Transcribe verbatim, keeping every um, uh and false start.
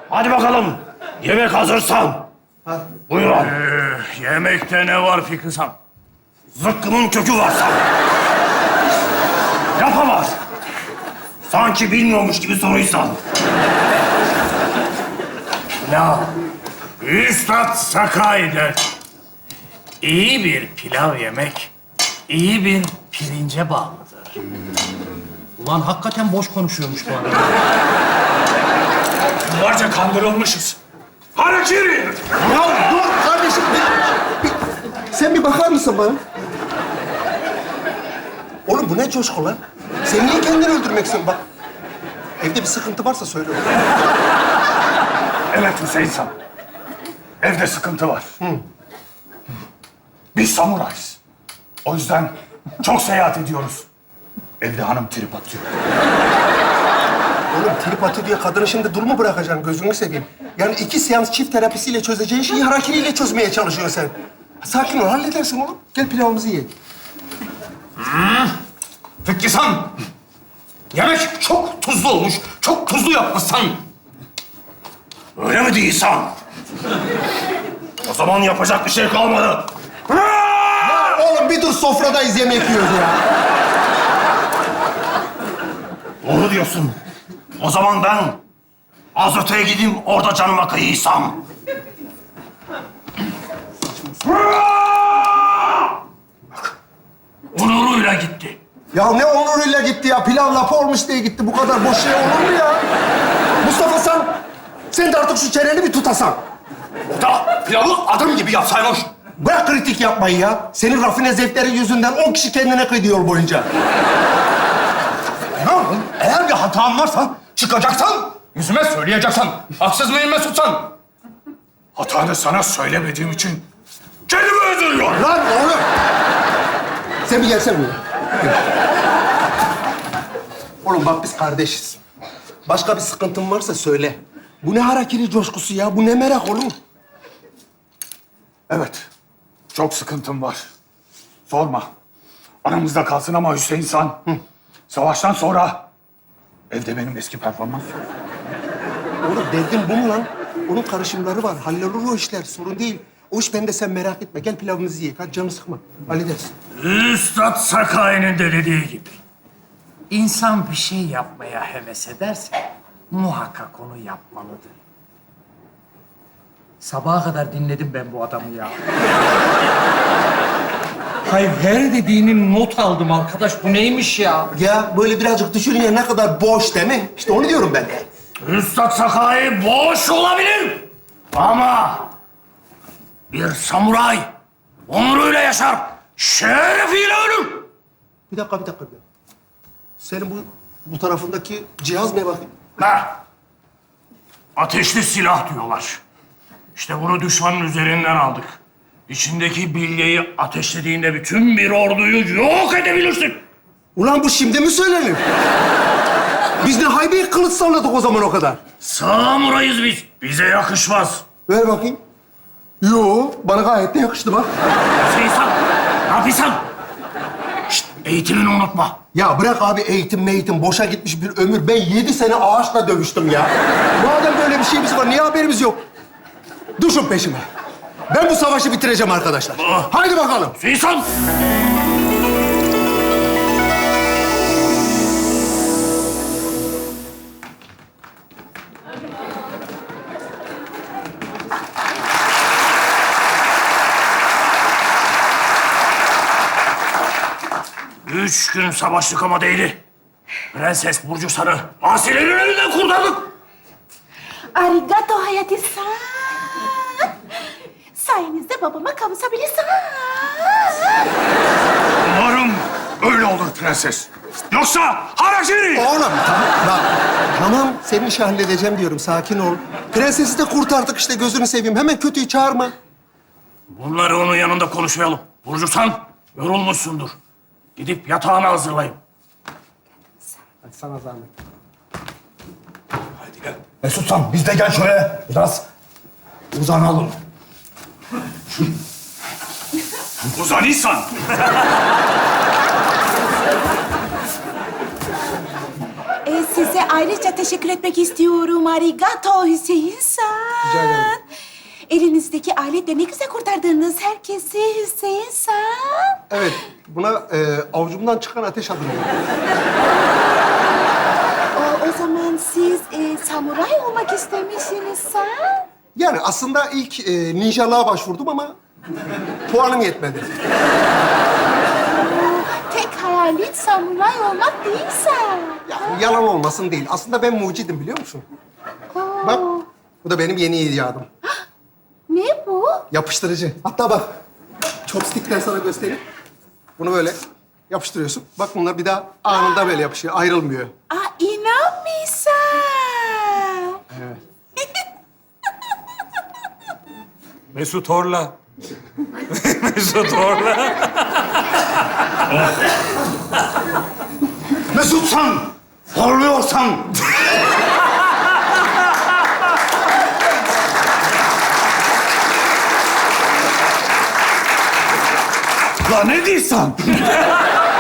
Hadi bakalım. Yemek hazırsan. Ha. Buyurun. Ee, yemekte ne var Fikri Sam? Zıkkımın kökü varsa. Yapamaz. Sanki bilmiyormuş gibi soruysan. Pilav. Üstad Sakai der. İyi bir pilav yemek, iyi bir pirince bağlıdır. Ulan hakikaten boş konuşuyormuş bu adam. Yıllarca kandırılmışız. Harakiri! Ya dur kardeşim. Bir, bir, sen bir bakar mısın bana? Oğlum bu ne coşku lan? Sen niye kendini öldürmek istiyorsun? Bak, evde bir sıkıntı varsa söyle. Evet Hüseyin Sam. Evde sıkıntı var. Biz samurayız. O yüzden çok seyahat ediyoruz. Evde hanım trip atıyor. Oğlum trip atı diye kadını şimdi dul mu bırakacaksın? Gözünü seveyim. Yani iki seans çift terapisiyle çözeceğin şeyi harakiriyle çözmeye çalışıyorsun sen. Sakin ol, halledersin oğlum. Gel pilavımızı ye. Fikri Sam, yemek çok tuzlu olmuş. Çok tuzlu yapmışsan. Öyle mi değilsen? O zaman yapacak bir şey kalmadı. Ya oğlum bir dur, sofradayız, yemek yiyoruz ya. Doğru diyorsun. O zaman ben az öteye gideyim, orada canıma kıyıysam. Bak, onuruyla gitti. Ya ne onuruyla gitti ya? Pilav lapa olmuş diye gitti. Bu kadar boş şey olur mu ya? Mustafa sen, sen de artık şu çeneni bir tutasan. O da pilavı adım gibi yapsaymış. Bırak kritik yapmayı ya. Senin rafine zevklerin yüzünden on kişi kendine kıydı yol boyunca. Ne yapayım? Eğer bir hatam varsa çıkacaksan, yüzüme söyleyeceksen, haksız mıyım Mesutsan? Hatanı sana söylemediğim için kendimi öldürüyorum. Lan oğlum! Sen bir gelsene buraya. Gel. Oğlum bak biz kardeşiz. Başka bir sıkıntın varsa söyle. Bu ne harakiri coşkusu ya? Bu ne merak oğlum? Evet, çok sıkıntım var. Sorma. Aramızda kalsın ama Hüseyin San. Hı. Savaştan sonra evde benim eski performans yok. Oğlum derdin bu mu lan? Onun karışımları var. Hallolur o işler. Sorun değil. O iş bende, sen merak etme. Gel pilavımızı ye. Hadi canını sıkma. Hallederiz. Üstad Sakai'nin de dediği gibi. İnsan bir şey yapmaya heves ederse muhakkak onu yapmalıdır. Sabaha kadar dinledim ben bu adamı ya. Hayır, her dediğinin not aldım arkadaş. Bu neymiş ya? Ya böyle birazcık düşününce ne kadar boş değil mi? İşte onu diyorum ben de. Üstad Sakai boş olabilir. Ama bir samuray onuruyla yaşar, şerefiyle ölür. Bir dakika, bir dakika. Bir dakika. Senin bu, bu tarafındaki cihaz ne bakayım? Ha. Ateşli silah diyorlar. İşte bunu düşmanın üzerinden aldık. İçindeki bilyeyi ateşlediğinde bütün bir orduyu yok edebilirsin. Ulan bu şimdi mi söylenir? Biz ne haybe kılıç salladık o zaman o kadar. Samurayız biz. Bize yakışmaz. Ver bakayım. Yo, bana gayet de yakıştı bak. Seysan, ne yapıyorsun? Şşt, eğitimini unutma. Ya bırak abi eğitim meğitim, boşa gitmiş bir ömür. Ben yedi sene ağaçla dövüştüm ya. Madem böyle bir şeyimiz var, niye haberimiz yok? Düşün peşime. Ben bu savaşı bitireceğim arkadaşlar. Ah. Haydi bakalım. Seysan! Üç gün savaştık ama değdi. Prenses Burcu Sarı, asilerin elinden kurtardık. Arigato Hayati-san. Sayenizde babama kavuşabilirsin. Umarım öyle olur prenses. Yoksa harakiri! Oğlum tamam, bak. Tamam, senin işi halledeceğim diyorum. Sakin ol. Prensesi de kurtardık işte, gözünü seveyim. Hemen kötüyü çağırma. Bunları onun yanında konuşmayalım. Burcu San, yorulmuşsundur. Gidip yatağını hazırlayın. Hadi sana zahmet. Haydi gel. Mesut San, biz de gel şöyle biraz uzanalım. Uzanıysan. Ee, size size ayrıca teşekkür etmek istiyorum. Arigato Hüseyin-san. Rica ederim. Elinizdeki aletle ne güzel kurtardınız herkesi Hüseyin-san. Evet, buna e, avucumdan çıkan ateş adı veriyorum. O, o zaman siz e, samuray olmak istemişsiniz-san. Yani aslında ilk e, ninjalığa başvurdum ama puanım yetmedi. Tek hayalin samuray olmak değilse. Yani yalan olmasın değil. Aslında ben mucidim biliyor musun? Oo. Bak, bu da benim yeni icadım. Ne bu? Yapıştırıcı. Hatta bak, chopstick'ten sana göstereyim. Bunu böyle yapıştırıyorsun. Bak bunlar bir daha anında böyle yapışıyor, ayrılmıyor. Aa, inanmıyorsam. Mesut Horla. Mesut Horla. Mesutsan, horluyorsan. La ne diyorsun?